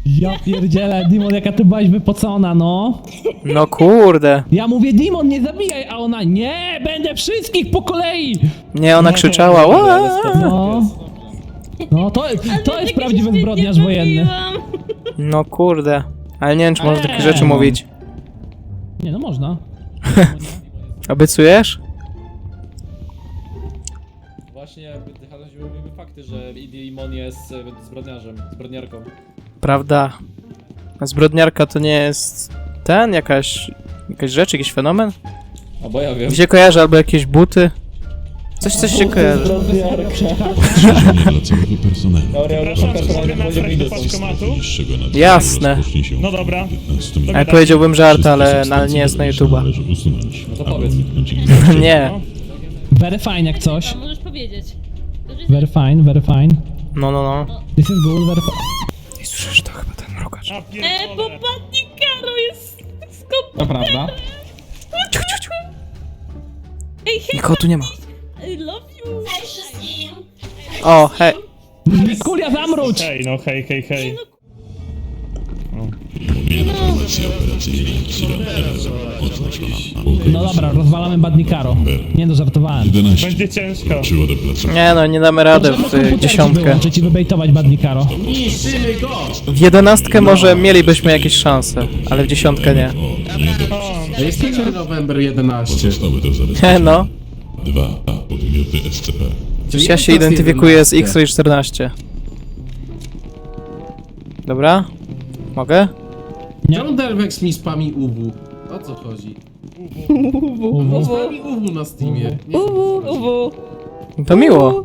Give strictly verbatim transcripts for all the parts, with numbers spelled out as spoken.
Ja pierdzielę, Dimon, jaka ty byłaś wypocona, no. No kurde. Ja mówię, Dimon, nie zabijaj, a ona, nie, będę wszystkich po kolei. Nie, ona krzyczała. Ła! No, no to, to jest prawdziwy zbrodniarz wojenny. No kurde. Ale nie wiem, czy można takie Eee. rzeczy mówić. Nie, no można. Obiecujesz? Właśnie chodziły mi fakty, że Dimon jest e, zbrodniarzem, zbrodniarką. Prawda. A zbrodniarka to nie jest ten? Jakaś... Jakaś rzecz, jakiś fenomen? A bo ja wiem. Gdzie kojarzę, albo jakieś buty? Coś, coś się kojarzy. Dla całego personelu. Przepraszam, czy mogę natrać do paczkomatu? Jasne. No dobra. Ale powiedziałbym żart, ale, ale nie jest na YouTube'a. No to powiedz. Nie. Very fine jak coś. No, możesz powiedzieć. Very fine, very fine. No, no, no. This is good, very fine. I słyszysz to chyba ten mrugacz. A E, bo pierdolę. Badnikaro jest skąd? To prawda. Ciu, ciu, ciu. Ej, hej, Nikogo tu nie ma. I love you. O, hej. Mikulia, zamrucz! Hej, no hej, hej, hej. Informacja operacyjna No dobra, rozwalamy Badnikaro. Nie no, żartowałem. jedenaście. Będzie ciężko. Przyło do placu. Nie no, nie damy rady w y, dziesiątkę. Wyłączyć i wybejtować Badnikaro. Niszczymy go! W jedenastkę może mielibyśmy jakieś szanse, ale w dziesiątkę nie. To jest jeden November jedenaście. Zostały do Nie zabezpieczenia no. dwa podmioty S C P. Przecież ja się identyfikuję z X-Ray czternaście. Dobra? Mogę? John Delvex mi spami U W. O co chodzi? Spami U W na Steamie. Nie wiem, o co chodzi. To miło.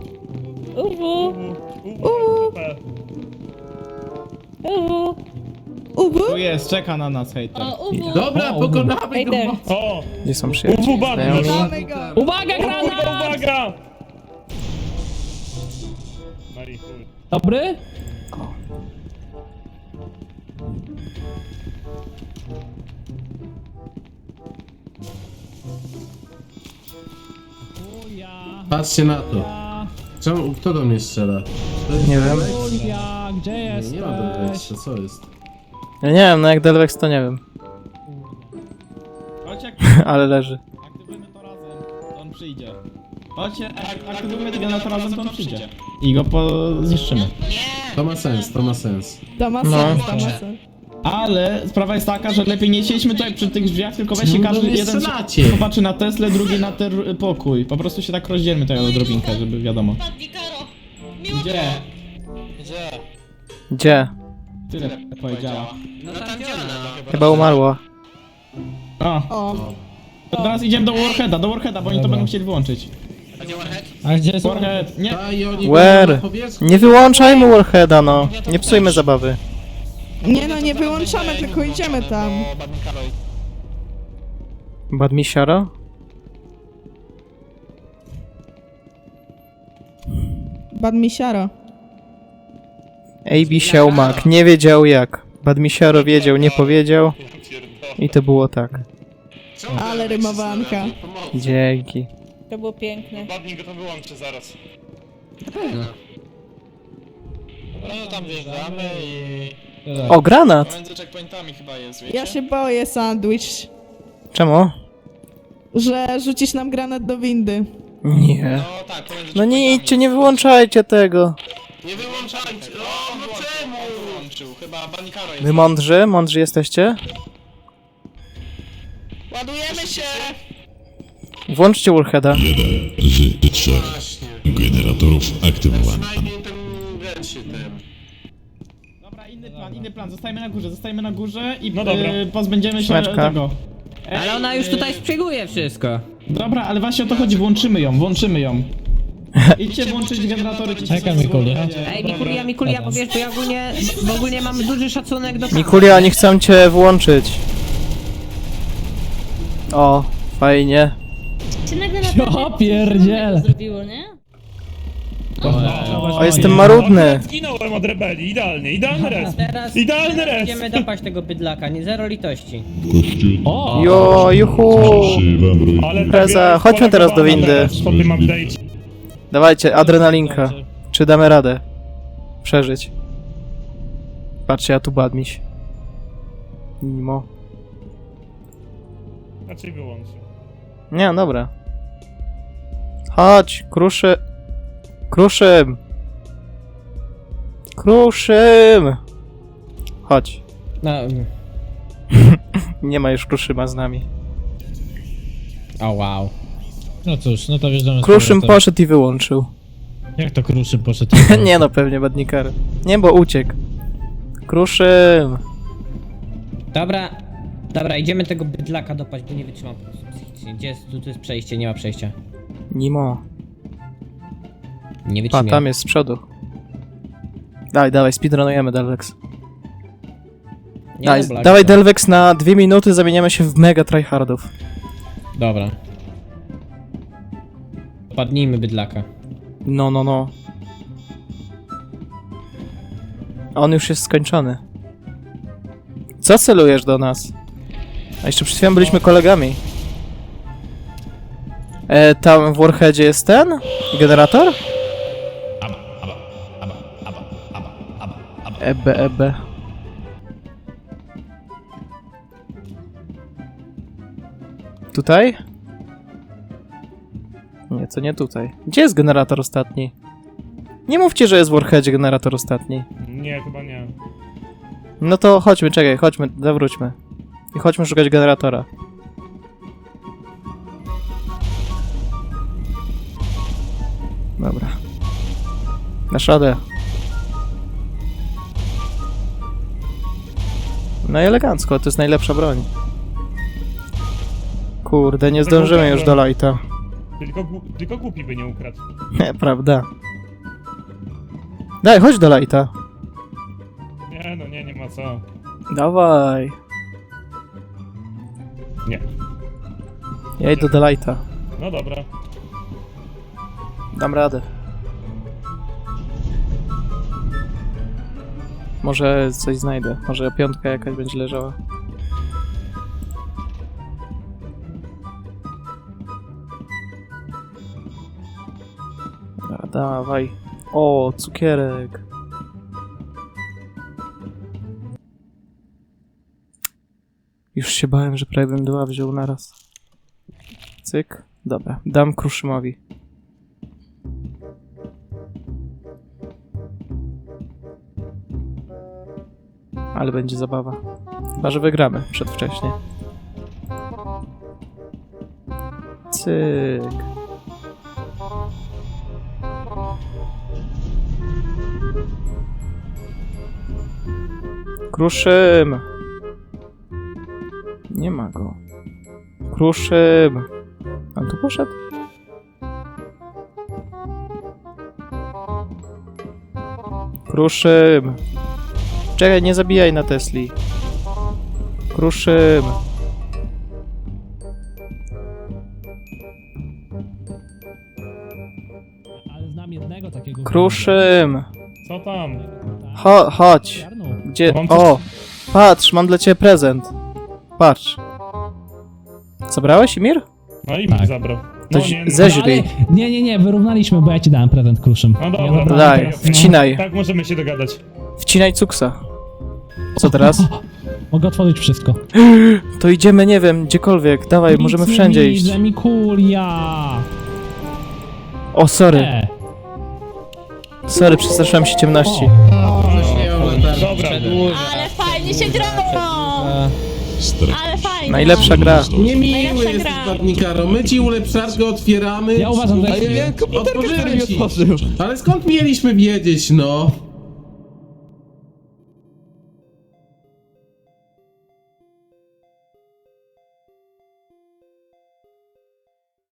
Tu jest, czeka na nas hejter. O, uwu. Dobra, pokonamy go! Ejder. O! Gdzie są Uwu przyjaciele? badnisz! Znajomi? Uwaga, Kurwa, granat! uwaga! No i chuj. Dobry? Julia, Patrzcie na to. Czemu, kto do mnie strzela? To jest Nie wiem. Delvex? Julia, gdzie Nie, jesteś? nie ma Delvexa, co jest? Ja nie wiem, no jak Delvex to nie wiem. Chodź, jak Ale leży. aktywujemy to razem, to on przyjdzie. Chodźcie, jak aktywujemy tego to razem, to on przyjdzie. I go po... zniszczymy. To ma sens, to ma sens. To ma No. sens, to ma sens. Ale sprawa jest taka, że lepiej nie siedźmy tutaj przy tych drzwiach, tylko weźcie No, każdy no nie jeden strzelacie. popatrzy na Teslę, drugi na ten pokój. Po prostu się tak rozdzielmy tutaj odrobinkę, żeby wiadomo. Badnikaro. Miło Gdzie? Gdzie? Tyle powiedziała. Chyba umarła. O, O. to teraz idziemy do Warheada, do Warheada, bo oni to będą chcieli wyłączyć. A gdzie jest Warhead, nie, A i oni Where? na powierzchni. Nie wyłączajmy Warheada, no. Nie psujmy zabawy. Nie no, nie wyłączamy, tylko idziemy tam. Badmisiaro? Badmisiaro. A B Siałmak nie wiedział jak. Badmisiaro wiedział, nie powiedział. I to było tak. Ale rymowanka. Dzięki. To było piękne. Badnik go to wyłączy zaraz. No tam wjeżdżamy i... O, granat! Między checkpointami chyba jest, wiecie? Ja się boję, sandwich, Czemu? że rzucisz nam granat do windy. Nie. No tak, pomiędzy No nie checkpointami idźcie, nie jest. wyłączajcie tego. Nie wyłączajcie! O, no czemu? On wyłączył, chyba Banikaro jest. Wy mądrzy? Mądrzy jesteście? Ładujemy się! Włączcie Warheada. jeden z trzech generatorów aktywowany. Przynajmniej ten wręczy ten. Dobra, inny plan, inny plan. Zostajemy na górze, zostajemy na górze i No dobra. y, pozbędziemy się Śmieszka. tego. Ale ona już tutaj szpieguje wszystko. Dobra, ale właśnie o to chodzi, włączymy ją, włączymy ją. Idźcie włączyć generatory, ci Czekaj, się Mikulia. Ej, Mikulia, Mikulia, bo wiesz, bo ja ogólnie, bo ogólnie mam duży szacunek do... Mikulia, oni chcą cię włączyć. O, fajnie. Się nagle Ja pierdzielę. zrobiło, nie? O, jestem marudny. Zginąłem od rebelii, idealnie, idealny res. Teraz Idealny res! będziemy dopaść tego bydlaka, nie zero litości. Kościół. O! Jo, juhu. Krzywam ruin. Ale Impreza, chodźmy teraz do windy. Po tym update'cie. Dawajcie, adrenalinka. Czy damy radę? Przeżyć. Patrzcie, ja tu badmiś. Mimo. Raczej wyłączy. Nie, dobra. Chodź, kruszy. Kruszym. Kruszym. Chodź. No, Nie ma już kruszyma z nami. o wow. No cóż, no to wjeżdżamy z Kruszym powrotem. poszedł i wyłączył. Jak to Kruszym poszedł? Nie no, pewnie badnikar. Nie, bo uciekł. Kruszym. Dobra, dobra, idziemy tego bydlaka dopaść, bo nie wytrzymam po prostu psychicznie. Gdzie jest, tu, tu jest przejście, nie ma przejścia. Nimo. Nie A, wytrzymam. tam jest z przodu. Dawaj, dawaj, speedrunujemy Delvex. Nie, Daj, dobra, dawaj dobra. Delvex na dwie minuty, zamieniamy się w mega tryhardów. Dobra. Padnijmy bydlaka. No, no, no. On już jest skończony. Co celujesz do nas? A jeszcze przed chwilą byliśmy kolegami. E, tam w Warheadzie jest ten? Generator? Ebe, ebe. Tutaj? Nie, to nie tutaj. Gdzie jest generator ostatni? Nie mówcie, że jest w Warheadzie generator ostatni. Nie, chyba nie. No to chodźmy, czekaj, chodźmy, zawróćmy. I chodźmy szukać generatora. Dobra. Dasz radę. No i elegancko, to jest najlepsza broń. Kurde, nie zdążymy już do lighta. Tylko, gł- tylko głupi by nie ukradł. Nie, prawda. Daj, chodź do lighta. Nie, no nie, nie ma co. Dawaj. Nie. Ja idę do lighta. No dobra. Dam radę. Może coś znajdę. Może piątka jakaś będzie leżała. Dobra, dawaj. O, cukierek. Już się bałem, że prawie bym dwa wziął naraz. Cyk. Dobra, dam Kruszymowi. Ale będzie zabawa. Chyba, że wygramy przedwcześnie. Cyk. Kruszym! Nie ma go. Kruszym! On tu poszedł? Kruszym! Czekaj, nie zabijaj na Tesli. Kruszym! Ale znam jednego takiego... Kruszym! Co tam? Cho chodź! Gdzie? Mam coś- O! Patrz, mam dla ciebie prezent. Patrz. Zabrałeś, Imir? No i Tak. mi zabrał. No To nie, no. zeźlij. Nie, nie, nie, wyrównaliśmy, bo ja ci dałem prezent Kruszym. No dobra, Ja dobra, zabrałem Daj, teraz- wcinaj. Tak możemy się dogadać. Wcinaj cuksa. Co teraz? Mogę otworzyć wszystko. To idziemy, nie wiem, gdziekolwiek. Dawaj, Nic możemy nie wszędzie iść. widzę, Mikulia! O, sorry. E, Sorry, przestraszyłem się ciemności. Dobra. Ale fajnie się grało! Ale fajnie. Najlepsza gra. Niemiły Najlepsza jesteś, gra. Badnikaro. My ci ulepszarkę otwieramy. Ja uważam, że Ale jest- otworzymy ci. Ale skąd mieliśmy wiedzieć, no?